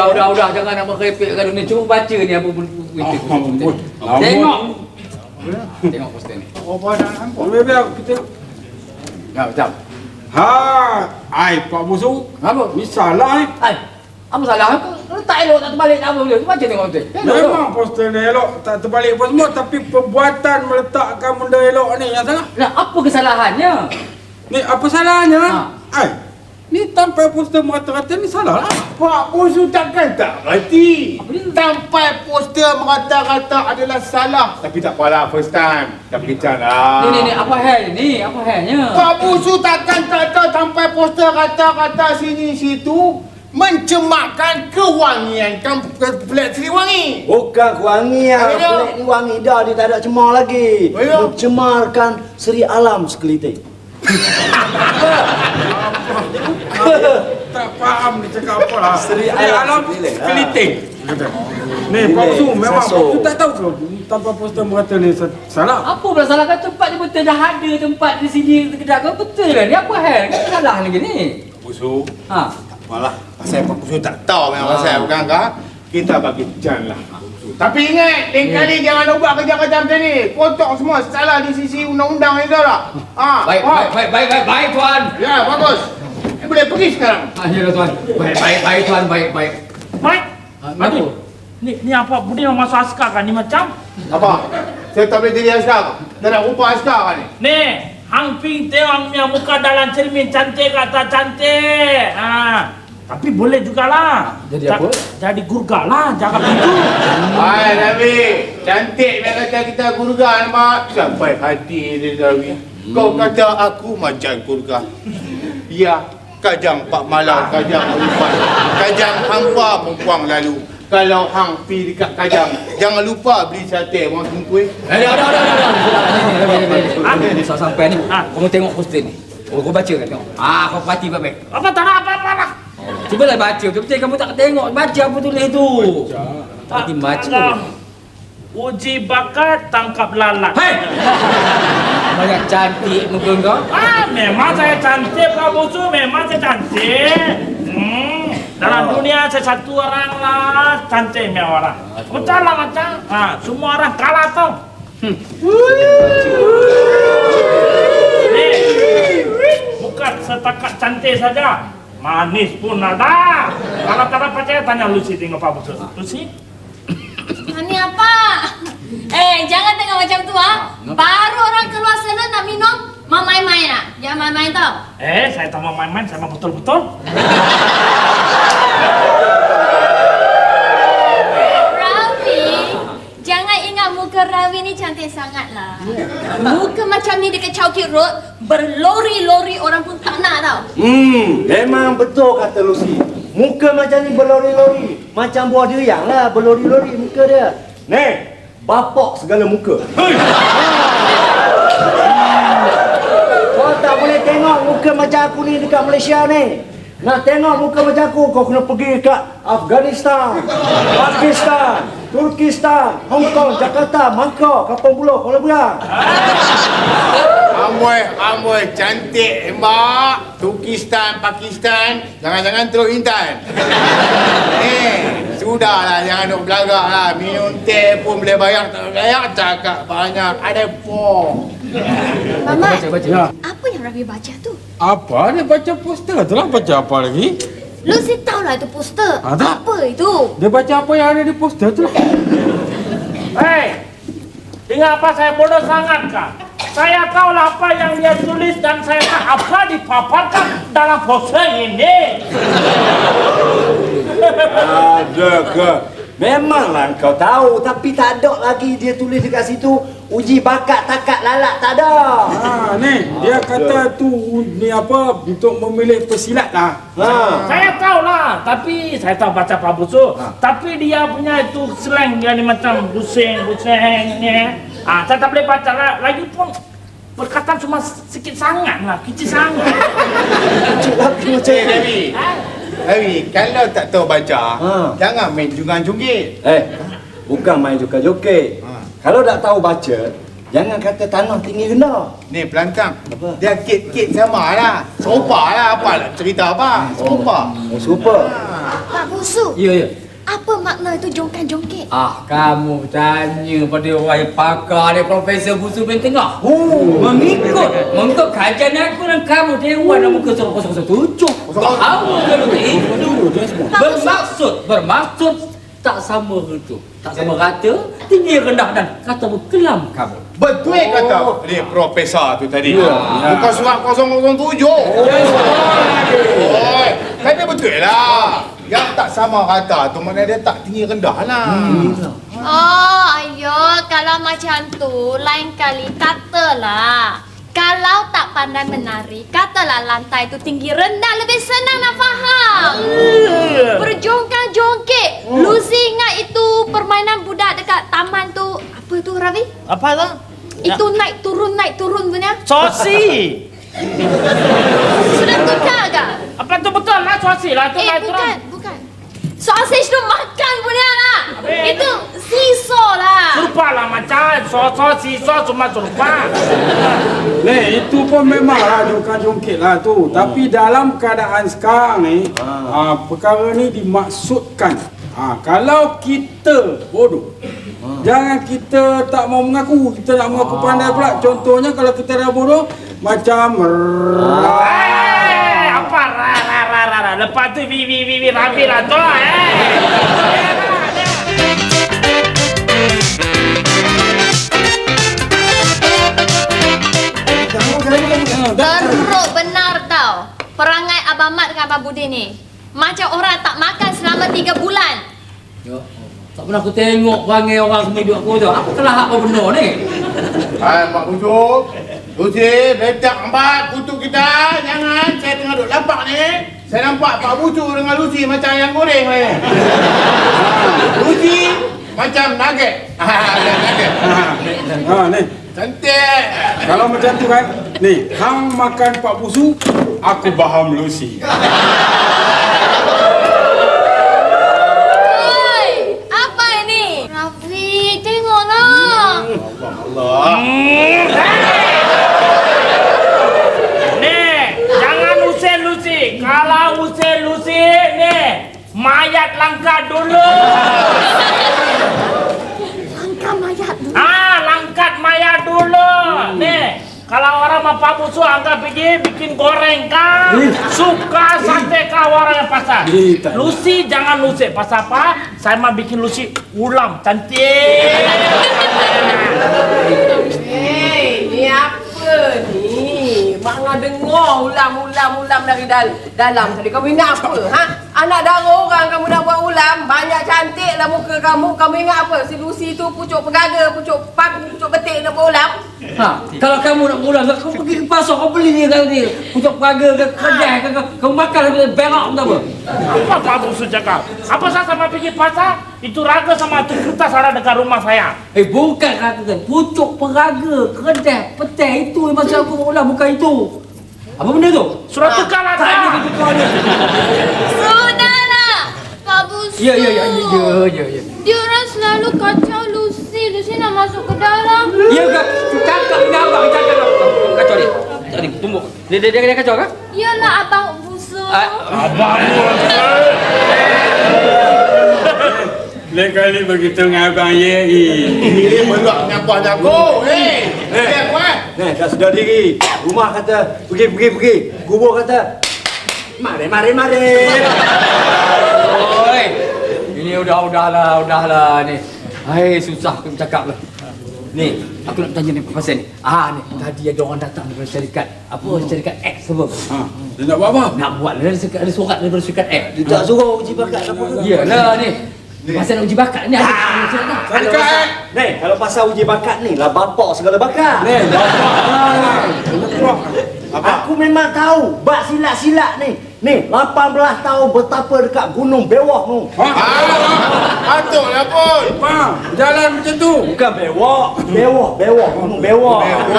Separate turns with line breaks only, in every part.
Udah, jangan nak merepek kalau ni. Cuba baca ni apa benda. Tengok. Tengok poster ni.
Apa dah nampak?
Biar kita.
Ya, macam.
Pak Busu.
Apa?
Ni salah ni.
Apa salah? Tak elok tak terbalik tak apa boleh. Baca tengok poster.
Memang poster ni elok, tak terbalik apa semua, tapi perbuatan meletakkan benda elok ni yang salah.
Nah, apa kesalahannya?
Ni apa salahnya? Ni tampal poster merata-rata ni salah lah.
Pak Busu takkan tak reti. Tampal poster merata-rata adalah salah. Tapi tak apalah, first time. Dah berkecam lah.
Ni, apa hal ni? Apa halnya?
Pak Busu takkan tak tahu tampal poster rata-rata sini situ mencemarkan kewangian Flat Sri Wangi.
Bukan kewangian, Flat ni wangi dah, dia tak ada cemar lagi. Mencemarkan Seri Alam sekeliling.
Tak faham dia cakap apa lah.
Seri
Alam sekeliling. Ni Pak Busu memang Pak Busu tak tahu ke tanpa poster merata ni salah.
Apa pula salah kan tempat ni betul dah ada tempat di sini kedai kau betul lah ni apa hal? Kan salah lagi ni.
Busu. Apalah, pasal Pak Busu tak tahu memang pasal bukan kah? Kita bagi jan lah. Tapi ingat, lain kali jangan buat kerja-kerja macam ni. Kotak semua salah di sisi undang-undang ni tahu tak?
Baik tuan.
Ya, bagus. Boleh pergi sekarang.
Ya tuan. Baik tuan, baik.
Baik.
Apa?
Ni apa? Budi mau masuk askar kan? Ni macam?
Apa? Saya tak boleh jadi askar. Tak nak rupa askar kan ni?
Nih, Hang Ping tengok punya muka dalam cermin cantik kata cantik. Tapi boleh jugalah.
Jadi apa?
Jadi gurga lah, jangan begitu.
Hai Nabi, cantik dia kata kita gurga nampak. Sampai hati dia Nabi. Kau kata aku macam gurga. Ya, kajang Pak Malau, kajang Umpan, kajang hampa mempuang lalu. Kalau hang pi dekat kajang, jangan lupa beli sate orang tungkui.
Dah. Ni sampai ni. Kamu tengok poster ni. Kau baca kan tengok. Kau perhati baik-baik.
Apa tak ada apa-apa.
Cubalah baca. Betul-betul kamu tak tengok. Baca apa tulis tu. Tak baca.
Uji bakat tangkap lalat.
Hei! Banyak cantik muka kau.
Memang saya cantik Pak Busu, memang saya cantik. Dalam dunia saya satu orang lah cantik punya orang. Macam lah macam. Semua orang kalah tau. Bukan setakat cantik saja. Manis pun ada. Kalau tak percaya tanya Lucy tengok Pak Busu. Lucy?
Ini apa? Jangan tengok macam tu Baru orang keluar sana nak minum, mau main-main Jangan main-main tau.
Saya tak mau main-main, saya mau betul-betul.
Rawi, jangan ingat muka Rawi ni cantik sangat lah. Muka macam ni dekat Chowkit Road, berlori-lori orang pun tak nak tau.
Memang betul kata Lucy. Muka macam ni berlori-lori. Macam buah durian lah, berlori-lori muka dia. Nih, bapak segala muka. Kau tak boleh tengok muka macam aku ni dekat Malaysia ni. Nak tengok muka macam aku, kau kena pergi kat Afghanistan, Pakistan, Turkistan, Hong Kong, Jakarta, Bangkok, Kampung Pulau, Kuala Berang.
Amboi, cantik mbak. Turkistan, Pakistan, jangan-jangan terus Intan. Sudahlah, jangan duk belagak lah. Minum teh pun boleh bayar, tak bayar, cakap banyak. Ada pom.
Mamat,
Ya.
apa yang Rawi baca tu?
Apa dia baca poster tu lah, baca apa lagi?
Lucy tahu lah itu poster.
Tak.
Apa itu?
Dia baca apa yang ada di poster tu lah.
Ingat apa saya bodoh sangat kah? Saya tahu lah apa yang dia tulis dan saya tahu apa dipaparkan dalam poster ini.
Ada ke? Memanglah kau tahu, tapi tak ada lagi dia tulis dekat situ uji bakat takat lalat, tak ada.
Ni dia kata tu ni apa untuk memilih pesilat lah.
Saya tahu lah, tapi saya tahu baca Pak Busu. Tapi dia punya itu slang dia ni macam busing ni. Saya tak boleh baca lah. Lagipun perkataan cuma sikit sangat lah, kecil sangat.
Kecil lagi macam
Nabi. Nabi, kalau tak tahu baca, jangan main jungan-junggit.
bukan main joget-joget. Kalau tak tahu baca, Jangan kata tanah tinggi rendah.
Ni pelantang.
Apa?
Dia kit-kit sama lah. Serupa lah. Apa lah cerita apa? Serupa.
Oh, super.
Pak Busu,
Ya, ya.
apa makna itu jongkan-jongkit?
Kamu tanya pada orang pakar dia Profesor Busu bin Tengah.
Oh,
Mengikut kajian aku dan kamu Dewan muka 007. Tahu kalau itu bermaksud tak sama itu. Tak sama rata, tinggi rendah dan kata berkelam kamu.
Betul kata ni profesor tu tadi. Bukan surat 007. Oi, kata betul lah. Yang tak sama rata tu mana dia tak tinggi rendah lah.
Oh, ayo, kalau macam tu, lain kali katalah. Kalau tak pandai menari, katalah lantai itu tinggi rendah, lebih senang nak faham. Berjongkang-jongkit. Lucy ingat itu permainan budak dekat taman tu. Apa tu, Ravi?
Apa tu?
Itu naik turun punya.
Sosi.
Sudah tukar ke?
Apa tu betul lah sosi lah tu naik turun.
Bukan. Sausage tu makan punya lah.
Habis?
Itu siso lah.
Serupa lah macam sosi cuma serupa.
Itu pun memanglah jongkang-jongkit lah tu. Tapi dalam keadaan sekarang ni, perkara ni dimaksudkan. Kalau kita bodoh, jangan kita tak mau mengaku, kita nak mengaku pandai pula. Contohnya kalau kita dah bodoh, macam
Apa ra. Lepas tu vi Ravi lah tu.
Teruk benar tau. Perangai Abang Mat dengan Abang Budi ni. Macam orang tak makan selama 3 bulan.
Ya, tak pernah aku tengok perangai orang semua hidup aku tu. Apa telah apa benda ni?
Hai Pak Busuk. Lucy, letak empat kutu kita. Jangan, saya tengah duduk lapak ni. Saya nampak Pak Busuk dengan Lucy macam ayam goreng ni. Lucy macam nugget. Nugget.
ni.
Cantik.
Kalau macam tu kan, ni, hang makan Pak Busu, aku faham Lucy.
Oi, apa ini? Rafi, tengoklah.
Allah.
Jangan usir Lucy. Kalau usir Lucy ni, mayat langkat dulu.
Langkah mayat dulu.
Langkat mayat dulu. Nih, kalau orang mau Pak Busu anggap pergi bikin goreng kah? Suka sate kah orang yang pasar? Lucy jangan Lucy. Pasal apa? Saya mau bikin Lucy ulam cantik.
Hei, ni apa ni? Mak ngah dengar ulam dari dalam tadi. Kamu ingat apa? Ha? Anak dara orang kamu nak buat ulam, banyak cantik lah muka kamu. Kamu ingat apa? Si Lucy tu pucuk pegaga, pucuk paku, pucuk betik nak buat ulam.
Kalau kamu nak pulang, kau pergi ke pasar, kau beli dia tadi. Pucuk peraga ke kedai ke, kau makan berak tak apa?
Apa Pak Busu cakap? Apa saya sama pergi pasar? Itu raga sama tu kertas ada dekat rumah saya.
Bukan raga kan. Pucuk peraga, kedai, petai itu yang masa aku ulang, bukan itu. Apa benda tu?
Surat tukar lah
Tak
saya.
ada tukar dia.
Sudahlah, Pak Busu.
Ya.
Dia orang selalu kacau Lucy. Lucy nak masuk ke dalam.
Ya ke? Cakap dengan abang, cakap kacau dia. Tadi tunggu. Dia kacau kan?
Yalah, Abang Busu.
Abangmu.
Lain kali begitu dengan abang ye.
Ini meluak nyapah aku. Hei, aku
dah sedar diri. Rumah kata, pergi. Kubur kata, mari.
Oi. Ini udahlah ni. Hai, susah aku cakap lah. Ni, aku nak tanya ni pasal ni. Ni, tadi ada orang datang daripada syarikat. Syarikat X apa?
Dia nak buat apa?
Nak buat ada surat daripada syarikat X.
dia tak suruh uji bakat apa ke?
Iyalah ni. Pasal nak uji bakat ni ada surat tak?
Kalau pasal uji bakat ni lah bapak segala bakat. Aku memang tahu bak silat-silat ni. Ni 18 tahun betapa dekat Gunung Bewok tu.
Patutlah pun.
Jalan macam tu.
Bukan Bewok, Gunung Bewok.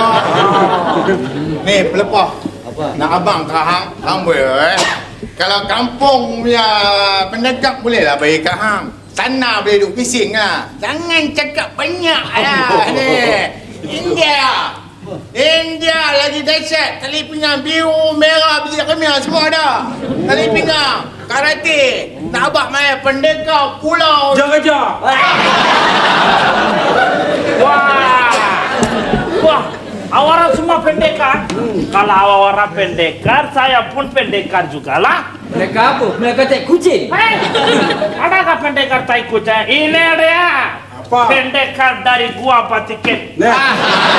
Ni pelepah.
Apa?
Nak abang kahang, hang boleh. Kalau kampung punya pendekat bolehlah bagi kahang. Sana boleh duduk bising lah. Jangan cakap banyak lah ni. India lagi dahsyat. Tali pinggang biru, merah, biru kemia semua ada. Tali pinggang, karate, nak abang main pendekar, pulau.
Kejar.
Wah, awaran semua pendekar. Kalau awaran pendekar, saya pun pendekar juga lah.
Mereka apa? Mereka tak kucing.
Hei, adakah pendekar tai kucing? Ini dia.
Apa?
Pendekar dari gua Patiket.
Nah,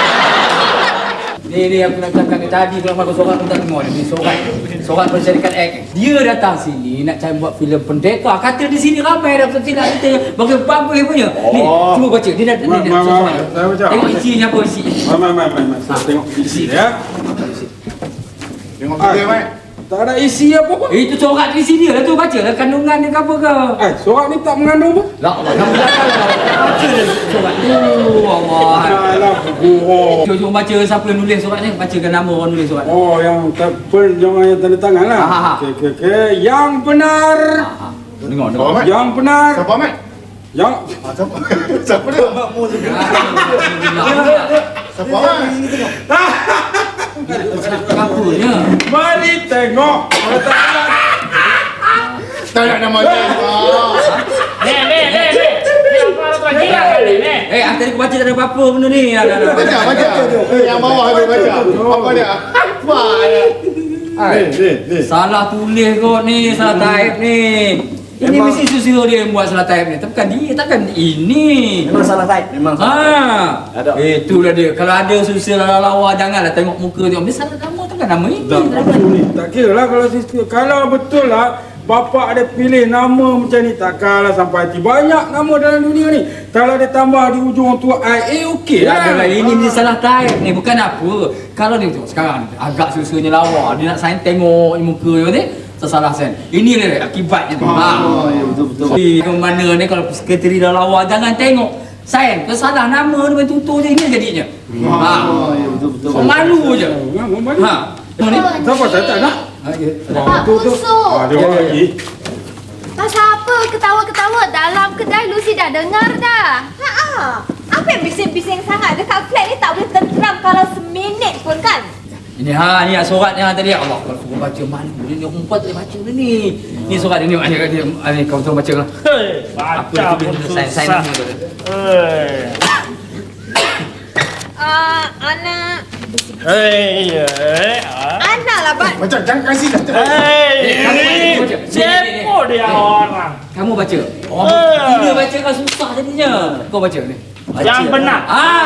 Ni aku nak cakap ni tadi kalau aku seorang aku tak tengok ni seorang bersyarikat X. Dia datang sini nak cari buat filem pendekar. Kata di sini ramai dah betul tidak kita bagi apa punya. Ni cuba baca dia nak
saya baca.
tengok isinya apa isi.
Mai. Saya tengok isi ya.
Tengok video, Mat.
Tak ada isi apa-apa.
Itu corak di sini lah tu baca lah kandungan dia ke apa ke.
Surat ni tak mengandung apa?
La Allah kamu jangan baca dia corak tu. Allah.
Alah, guru.
Cuba baca siapa yang nulis surat ni, bacakan nama orang nulis surat.
Oh, yang yang tanda tangan lah. Okey. Yang benar.
Dengar.
Oh, Mat.
Yang benar.
Siapa, Mat?
Yang
Siapa? Siapa dia? Siapa, Mat?
Kapunya.
mari tengok.
Tak nak nama dia.
Ni. Ni apa tu gila kali ni?
Tadi aku baca tak ada apa-apa benda ni.
Baca. Yang bawah tu baca. Apa dia? Apa dia?
Salah tulis kot ni, salah type ni. Ini mesti susilo dia yang buat salah type ni. Tapi kan dia, takkan ini.
Memang salah type. Memang salah.
Ha. Itulah dia. Kalau ada susilo lawa janganlah tengok muka dia. Dia salah nama takkan nama ini.
Tak kira lah kalau sistem. Kalau betul lah bapa ada pilih nama macam ni, takkanlah sampai hati. Banyak nama dalam dunia ni. Kalau dia tambah di ujung tu IA okey
Tak
lah.
adalah, ini mesti salah type ni. Bukan apa. Kalau dia tengok sekarang ni, agak susunya lawa. Dia nak sign tengok muka dia ni. Tersalah sen. Ini dia akibatnya tu. Betul. Ke mana ni kalau sekretari dah lawa jangan tengok. Sign kesalah nama dia main tutur je ini jadinya. Betul. Malu je. Ha. Ni
Siapa tak nak?
Pak Busuk.
Dia orang lagi.
Pasal apa ketawa-ketawa dalam kedai Lucy dah dengar dah.
Apa yang bising-bising sangat dekat flat ni tak boleh tenteram kalau seminit pun kan?
ini ni surat yang tadi Allah kalau suruh baca malu dia ni umpat tak boleh baca dia ni. Ni surat dia ni kau tolong baca lah.
Hei, baca pun
sign
susah.
nama dia.
Anak.
Hei,
Anak lah, Bat.
Macam jangan kasih dah.
Hei,
baca.
siapa dia orang?
Kamu baca. Dia baca kan susah jadinya. Kau baca ni.
Yang benar.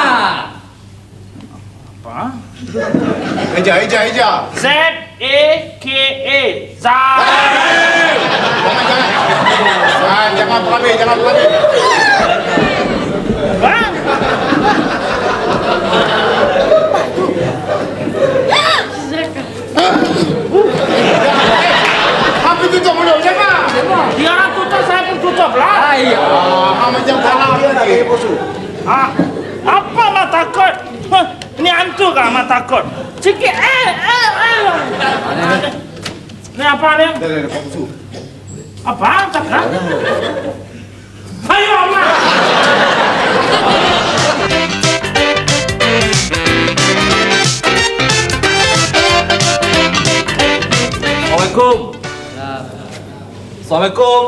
Apa?
Eja.
Z-A-K-A. Zah.
Jangan pelabih.
Hah?
Apa tutup mulut? Jangan.
Dia orang tutup, saya pun tutup lah.
Macam salah dia lagi.
Apa mak takut? Ini hantu kah mak takut? Sikit Ni apa ni?
Dah, Pak Busuk.
Apa? Cakap? Ayo mak.
Assalamualaikum.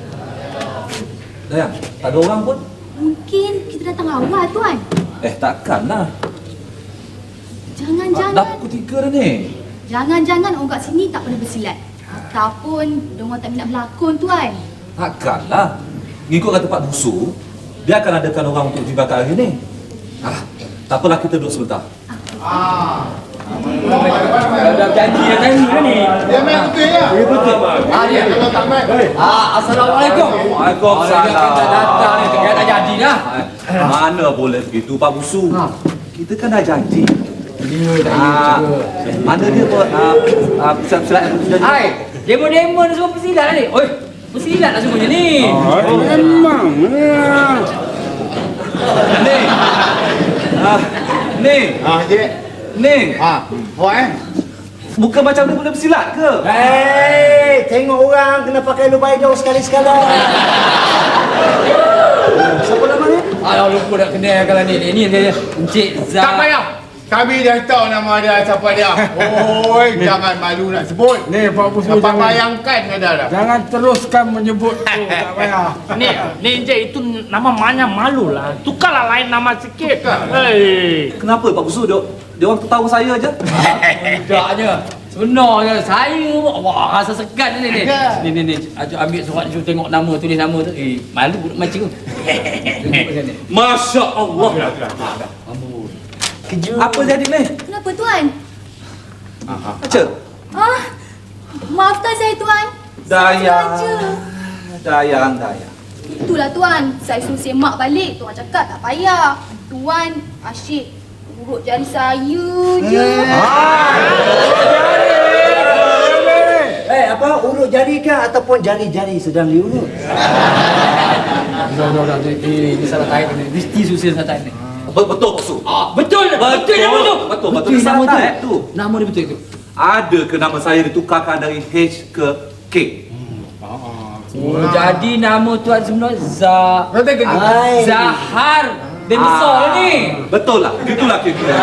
Dah, tak ada orang pun.
Mungkin kita datang awal tuan.
Takkanlah.
Jangan-jangan
Dah pukul 3 dah ni.
Jangan-jangan orang kat sini tak pernah bersilat. Ataupun diorang tak minat berlakon tuan.
Takkanlah. Ngikut kata Pak Busu, dia akan adakan orang untuk uji bakat hari ni. Tak apalah, kita duduk sebentar.
Dah janji dah tadi ni.
Dia main betul ya?
Betul. Dia.
Kalau tak main.
Assalamualaikum.
Waalaikumsalam.
Kita datang ni, kita dah jadi dah.
Mana boleh begitu Pak Busu? Kita kan dah janji.
Dia dah.
Mana dia buat silat
Hai, demo-demo ni semua persilat ni. Oi, persilat lah semuanya ni.
Memang.
Ni.
Cik.
Ni.
Buat
Bukan macam dia boleh bersilat ke?
Hei, tengok orang kena pakai lubang hijau sekali-sekala. Siapa nama ni?
Alah, lupa nak kenal kalau ni. Ni dia Encik Zah.
Tak payah. Kami dah tahu nama dia siapa dia. Oi, jangan malu nak sebut.
Ni Pak Busu
Dapat
jangan.
bayangkan ada dah.
Jangan teruskan menyebut tu, tak payah.
Ni Encik itu nama banyak malu lah. Tukarlah lain nama sikit. Hei.
Kenapa Pak Busu? Dia orang ketawa saya je.
Tidaknya. Sebenarnya saya wah rasa segan ni. Ni. Ajak ambil surat tu tengok nama, tulis nama tu. Malu budak macam tu. Tengok macam ni.
Masya Allah. Apa jadi ni?
Kenapa tuan?
Baca.
Maafkan saya tuan.
Dayang.
Sengaja.
Dayang.
Itulah tuan, saya suruh semak balik. Tuan cakap tak payah. Tuan asyik urut jari saya je.
Apa urut jari ke ataupun jari-jari sedang diurut?
Dah. Ini salah tarik ni. Mesti susah salah tarik ni.
Betul Pak Busu.
Betul nama tu.
Betul
nama
salah
tu.
tu.
Nama dia betul tu.
Ada ke nama saya ditukarkan dari H ke K?
Jadi nama tuan sebenar Zahar. Dia besar ni.
Betul lah. Gitulah kira-kira.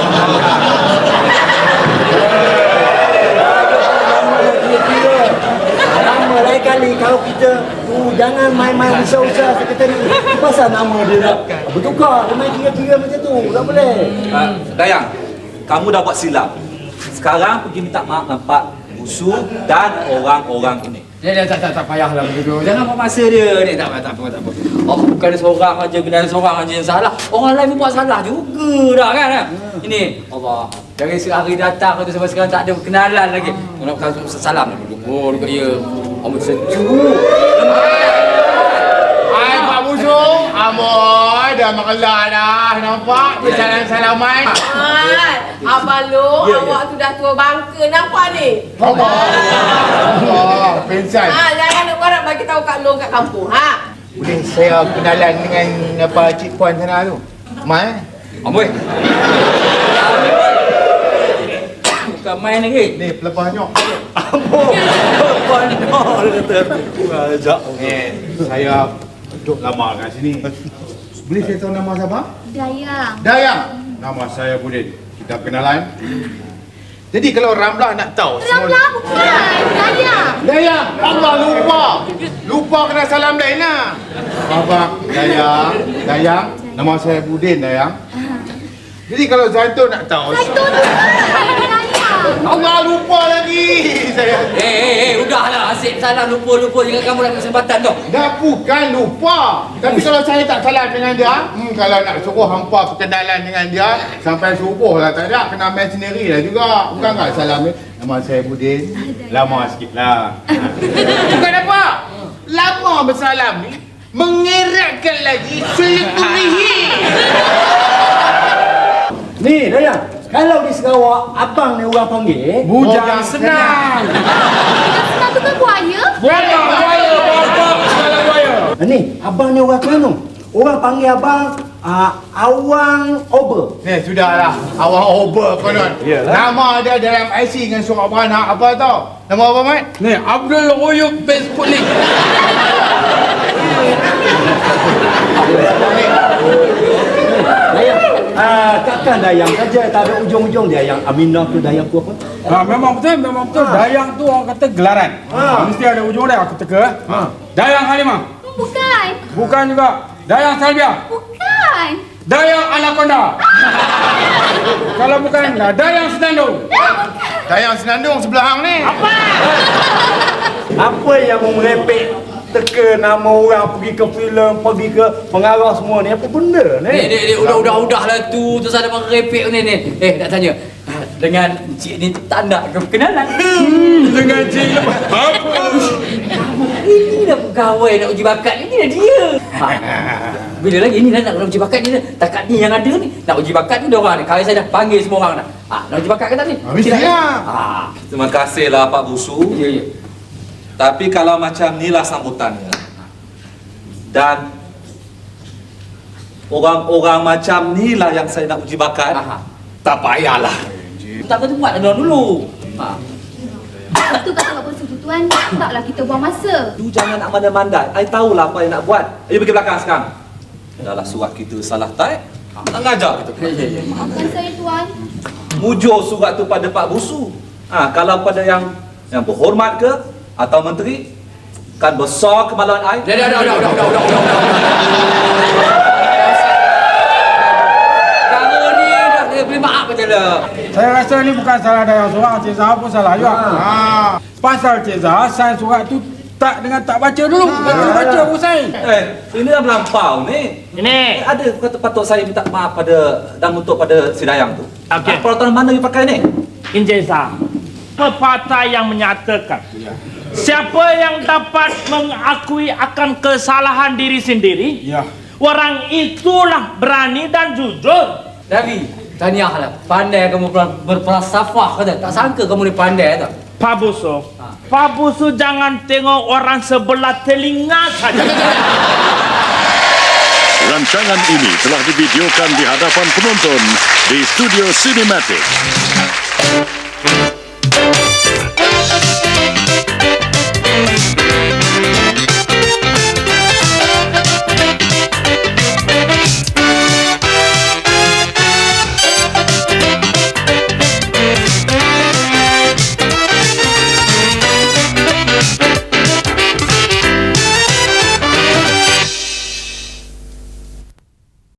Nama lain kali kalau kita jangan main-main usah-usah sekretari. Pasal nama dia nak bertukar. Dia main kira-kira macam tu. Tak boleh.
Dayang, kamu dah buat silap. Sekarang pergi minta maaf dengan Pak Busu dan orang-orang ini.
Tak payahlah begitu. Jangan buat masa dia ni. Tak apa. Oh, bukan ada seorang aja, kena ada seorang aja yang salah. Orang lain pun buat salah juga dah kan. Ini Allah. Dari sehari datang tu sampai sekarang tak ada kenalan lagi. Nak salam dulu dekat dia. Amat sejuk.
Hai Pak Busu. Amoy dah mengelah dah. Nampak? Bersalam-salaman.
Abang Long, awak tu dah tua bangka. Nampak ni?
Allah, pensan.
Jangan nak buat bagi tahu Kak Long kat kampung.
Boleh saya kenalan dengan apa Cik Puan sana tu? Mai?
Amboi. Bukan main lagi.
Ni pelepahnya. Saya duduk lama kat sini. Boleh saya tahu nama siapa?
Dayang.
Dayang. Nama saya Budin. Kita kenalan. Jadi kalau Ramlah nak tahu
Ramlah bukan. Dayang.
Dayang. Allah lupa. Lupa kena salam lain lah. Abang Dayang. Nama saya Budin Dayang. Jadi kalau Zaitun nak tahu.
Zaitun bukan. Dayang.
Allah lupa lagi saya.
Udahlah asyik salah lupa jangan kamu dapat kesempatan tu.
Dah bukan lupa. Tapi kalau saya tak salam dengan dia, kalau nak suruh hampa perkenalan dengan dia sampai subuh lah tak ada, kena main sendiri lah juga. Bukan tak salam ni. Nama saya Budin. Lama sikit lah. Bukan apa. Lama bersalam ni mengeratkan lagi silaturahmi.
Ni Dayang, kalau di Sarawak abang ni orang panggil
Bujang senang.
Senang tu kan buaya?
Buaya.
Ni abang ni orang Terengganu. Orang panggil abang Awang Ober.
Ni sudahlah. Awang over konon. Nama dia dalam IC dengan surat beranak apa tau? Nama apa Mat?
Ni Abdul Oyub Facebook ni.
Dayang, takkan Dayang saja, tak ada ujung-ujung dia yang Aminah tu Dayang tu apa?
Memang betul. Dayang tu orang kata gelaran. Mesti ada ujung dia, aku teka. Dayang Halimah. Bukan juga. Dayang Salbia.
Bukan.
Dayang Anaconda. Kalau bukan, Dayang Senandung.
Dayang Senandung sebelah hang ni.
Apa yang merepek teka nama orang pergi ke filem, pergi ke pengarah semua ni, apa benda ni?
Udahlah tu terus ada merepek ni. Nak tanya. Dengan cik ni tak nak ke perkenalan?
Dengan cik apa?
Ini dah pegawai nak uji bakat ni dah dia. Bila lagi ni nak uji bakat ni takat ni yang ada ni. Nak uji bakat ni dia orang ni. Kalau saya dah panggil semua orang dah. Nak uji bakat ke tak ni?
Mestilah.
Terima kasihlah Pak Busu.
Ya.
Tapi kalau macam inilah sambutannya dan orang-orang macam inilah yang saya nak uji bakat, tak payahlah.
Tak kena buat dulu.
Itu kata Pak Busu tu tuan. Taklah kita buang masa.
Tu jangan nak mandai-mandai. I tahulah apa yang nak buat. Ayo pergi belakang sekarang. Dahlah surat kita salah type. Nak ngajar kita.
Maafkan saya tuan.
Mujur surat tu pada Pak Busu. Kalau pada yang berhormat ke atau menteri, kan besar kemaluan ai.
Dah. Cara ni dah saya beri maaf aja lah.
Saya rasa ni bukan salah Dayang seorang, Cik Zahar pun salah juga. Pasal Cik Zahar sign surat tu tak baca dulu. Baru baca pun sign.
Ini dah melampau ni.
Ini.
Ada kata patut saya minta maaf dan untuk pada si Dayang tu.
Okey.
Peraturan mana yang pakai ni?
Injeza, pepatah yang menyatakan siapa yang dapat mengakui akan kesalahan diri sendiri,
Ya.
orang itulah berani dan jujur.
Nabi, tahniahlah. Pandai kamu berfalsafah kata. Tak sangka kamu ni pandai tak?
Pak Busu jangan tengok orang sebelah telinga saja.
Rancangan ini telah divideokan di hadapan penonton di Studio Cinematic.